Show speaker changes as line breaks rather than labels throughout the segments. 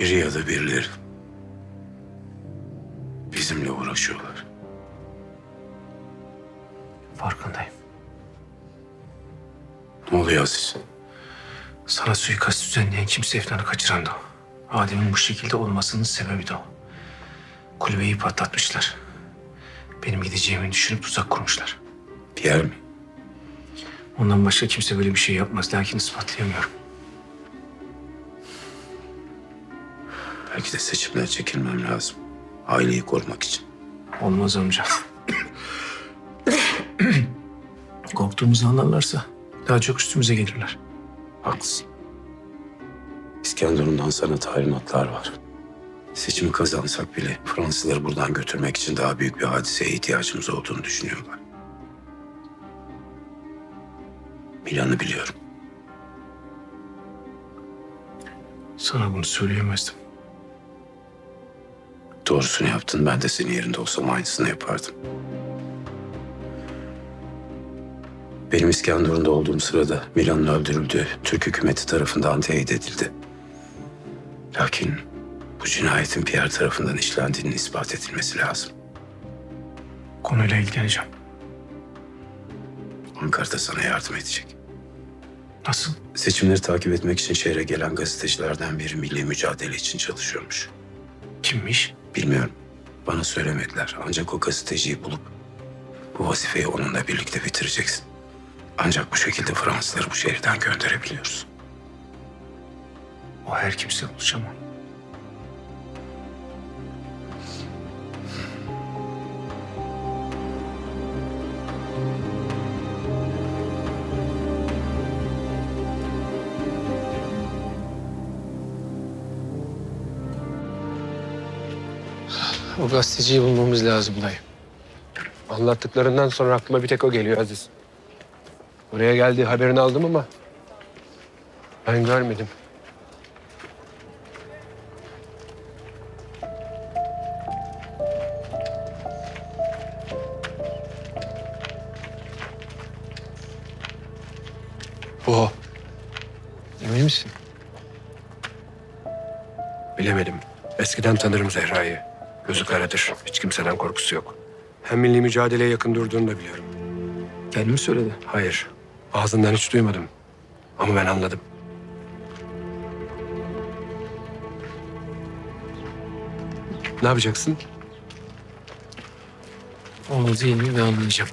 Biri ya da birileri bizimle uğraşıyorlar.
Farkındayım.
Ne oluyor Aziz?
Sana suikast düzenleyen kimse Efnan'ı kaçıran da o. Adem'in bu şekilde olmasının sebebi de o. Kulübeyi patlatmışlar. Benim gideceğimi düşünüp tuzak kurmuşlar.
Pierre mi?
Ondan başka kimse böyle bir şey yapmaz. Lakin ispatlayamıyorum.
Belki de seçimden çekilmem lazım. Aileyi korumak için.
Olmaz amca. Korktuğumuzu anlarlarsa daha çok üstümüze gelirler.
Haklısın. İskenderun'dan sana talimatlar var. Seçimi kazansak bile Fransızları buradan götürmek için daha büyük bir hadiseye ihtiyacımız olduğunu düşünüyorlar. Planı biliyorum.
Sana bunu söyleyemezdim.
Doğrusunu yaptın. Ben de senin yerinde olsam aynısını yapardım. Benim İskenderun'da olduğum sırada Milan'ın öldürüldüğü Türk hükümeti tarafından teyit edildi. Lakin bu cinayetin Pierre tarafından işlendiğinin ispat edilmesi lazım.
Konuyla ilgileneceğim.
Ankara'da sana yardım edecek.
Nasıl?
Seçimleri takip etmek için şehre gelen gazetecilerden biri milli mücadele için çalışıyormuş.
Kimmiş?
Bilmiyorum. Bana söylemediler. Ancak o gazeteciyi bulup bu vazifeyi onunla birlikte bitireceksin. Ancak bu şekilde Fransızları bu şehirden gönderebiliyoruz.
O her kimse bulacağım onu.
O gazeteciyi bulmamız lazım dayı. Anlattıklarından sonra aklıma bir tek o geliyor Aziz. Oraya geldiği haberini aldım ama ben görmedim. Bu o. Emin misin? Bilemedim. Eskiden tanırım Zehra'yı. Gözü karadır. Hiç kimseden korkusu yok. Hem milli mücadeleye yakın durduğunu da biliyorum.
Kendi mi söyledi?
Hayır. Ağzından hiç duymadım. Ama ben anladım. Ne yapacaksın?
Onu değil mi ve anlayacağım.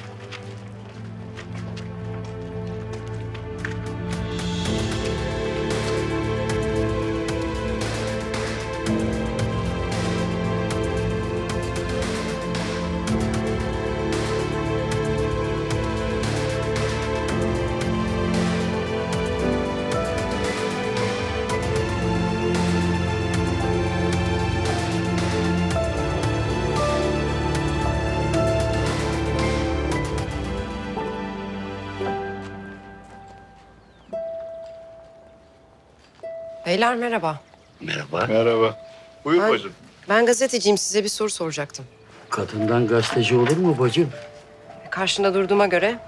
Beyler merhaba.
Merhaba.
Merhaba. Buyur
Ben-
bacım.
Ben gazeteciyim. Size bir soru soracaktım.
Kadından gazeteci olur mu bacım?
Karşında durduğuma göre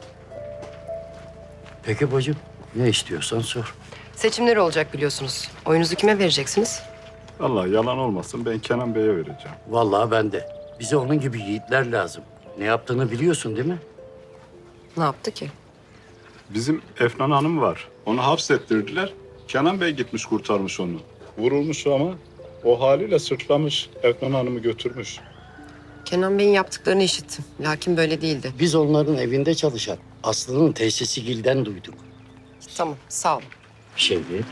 Peki bacım, ne istiyorsan sor.
seçimler olacak biliyorsunuz. Oyunuzu kime vereceksiniz?
Allah yalan olmasın ben Kenan Bey'e vereceğim.
Vallahi ben de. Bize onun gibi yiğitler lazım. Ne yaptığını biliyorsun değil mi?
Ne yaptı ki?
Bizim Efnan Hanım var. Onu hapsettirdiler. Kenan Bey gitmiş kurtarmış onu. Vurulmuş ama o haliyle sırtlamış. Efnan Hanım'ı götürmüş.
Kenan Bey'in yaptıklarını işittim. Lakin böyle değildi.
Biz onların evinde çalışan Aslı'nın teyzesi Gil'den duyduk.
Tamam, sağ olun.
Bir şey değil.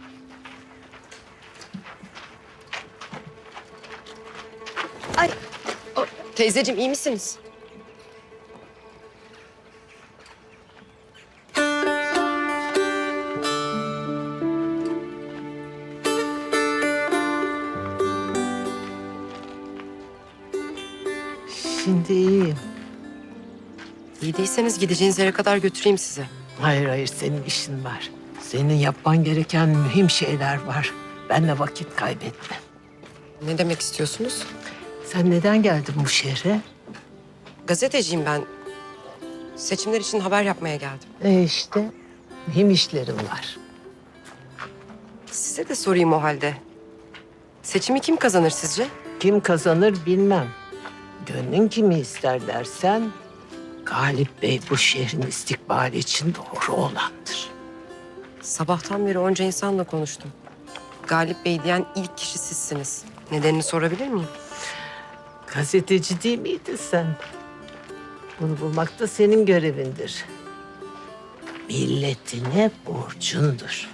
Teyzeciğim iyi misiniz?
Şimdi iyiyim.
İyi değilseniz gideceğiniz yere kadar götüreyim sizi.
Hayır hayır senin işin var. Senin yapman gereken mühim şeyler var. Benle vakit kaybetme.
Ne demek istiyorsunuz?
Sen neden geldin bu şehre?
Gazeteciyim ben. Seçimler için haber yapmaya geldim.
İşte mühim işlerim var.
Size de sorayım o halde. Seçimi kim kazanır sizce?
Kim kazanır bilmem. Gönlün kimi ister dersen, Galip Bey bu şehrin istikbali için doğru olandır.
Sabahtan beri onca insanla konuştum. Galip Bey diyen ilk kişi sizsiniz. Nedenini sorabilir miyim?
Gazeteci değil miydin sen? Bunu bulmak da senin görevindir. Milletine borcundur.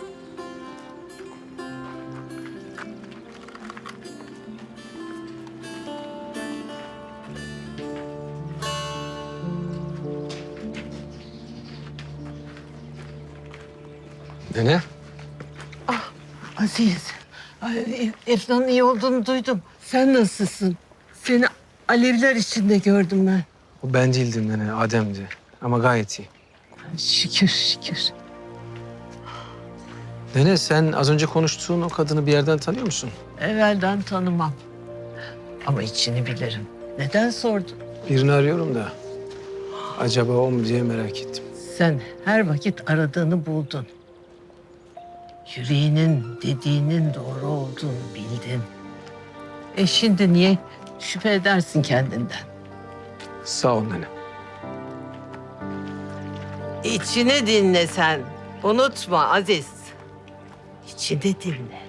Nene?
Aziz, Efnan'ın iyi olduğunu duydum. Sen nasılsın? Seni alevler içinde gördüm ben.
O ben değildim nene, Adem'di. Ama gayet iyi.
Şükür, şükür.
Nene sen az önce konuştuğun o kadını bir yerden tanıyor musun?
Evvelden tanımam. Ama içini bilirim. Neden sordun?
Birini arıyorum da. Acaba o mu diye merak ettim.
Sen her vakit aradığını buldun. Yüreğinin dediğinin doğru olduğunu bildin. Şimdi niye şüphe edersin kendinden?
Sağ ol nene.
İçini dinle sen. Unutma Aziz. İçini dinle.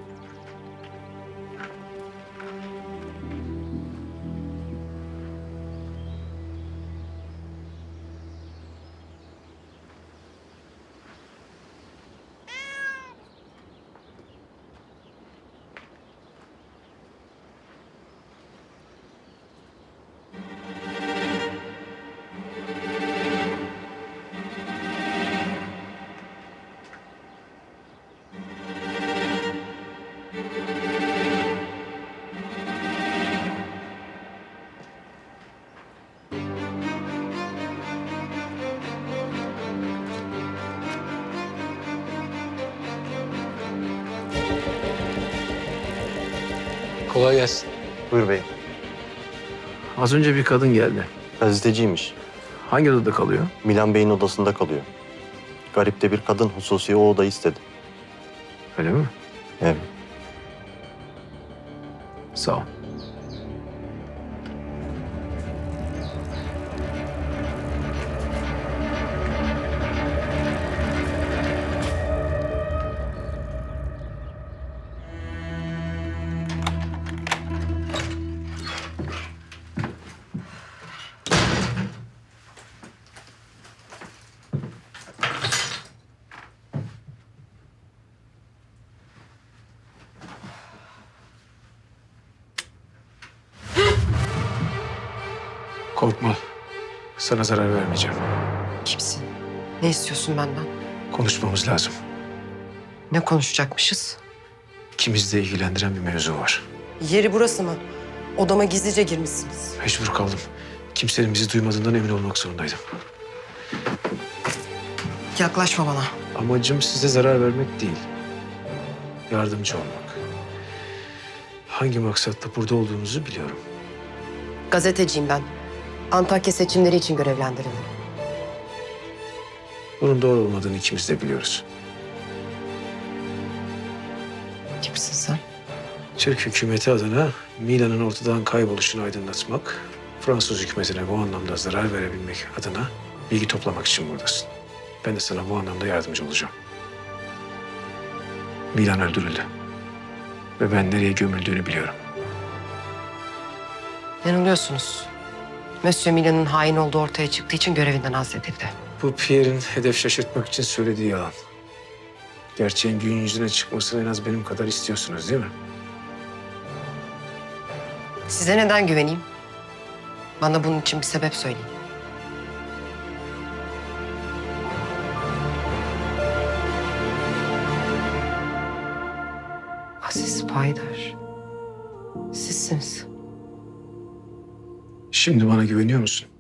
Kolay gelsin.
Buyur beyim.
Az önce bir kadın geldi.
Gazeteciymiş.
Hangi odada kalıyor?
Milan Bey'in odasında kalıyor. Garip de bir kadın hususi o odayı istedi.
Öyle mi?
Evet.
Sağ ol.
Korkma. Sana zarar vermeyeceğim.
Kimsin? Ne istiyorsun benden?
Konuşmamız lazım.
Ne konuşacakmışız?
İkimizi de ilgilendiren bir mevzu var.
Yeri burası mı? Odama gizlice girmişsiniz.
Mecbur kaldım. Kimsenin bizi duymadığından emin olmak zorundaydım.
Yaklaşma bana.
Amacım size zarar vermek değil. Yardımcı olmak. Hangi maksatla burada olduğunuzu biliyorum.
Gazeteciyim ben. Antakya seçimleri için görevlendirildim.
Bunun doğru olmadığını ikimiz de biliyoruz.
Kimsin sen?
Türk hükümeti adına Milan'ın ortadan kayboluşunu aydınlatmak, Fransız hükümetine bu anlamda zarar verebilmek adına bilgi toplamak için buradasın. Ben de sana bu anlamda yardımcı olacağım. Milan öldürüldü. Ve ben nereye gömüldüğünü biliyorum.
Yanılıyorsunuz. Monsieur Milan'ın hain olduğu ortaya çıktığı için görevinden azledildi.
Bu Pierre'in hedef şaşırtmak için söylediği yalan. Gerçeğin gün yüzüne çıkmasını en az benim kadar istiyorsunuz değil mi?
Size neden güveneyim? Bana bunun için bir sebep söyleyin. Aziz Paydar. Sizsiniz.
Şimdi bana güveniyor musun?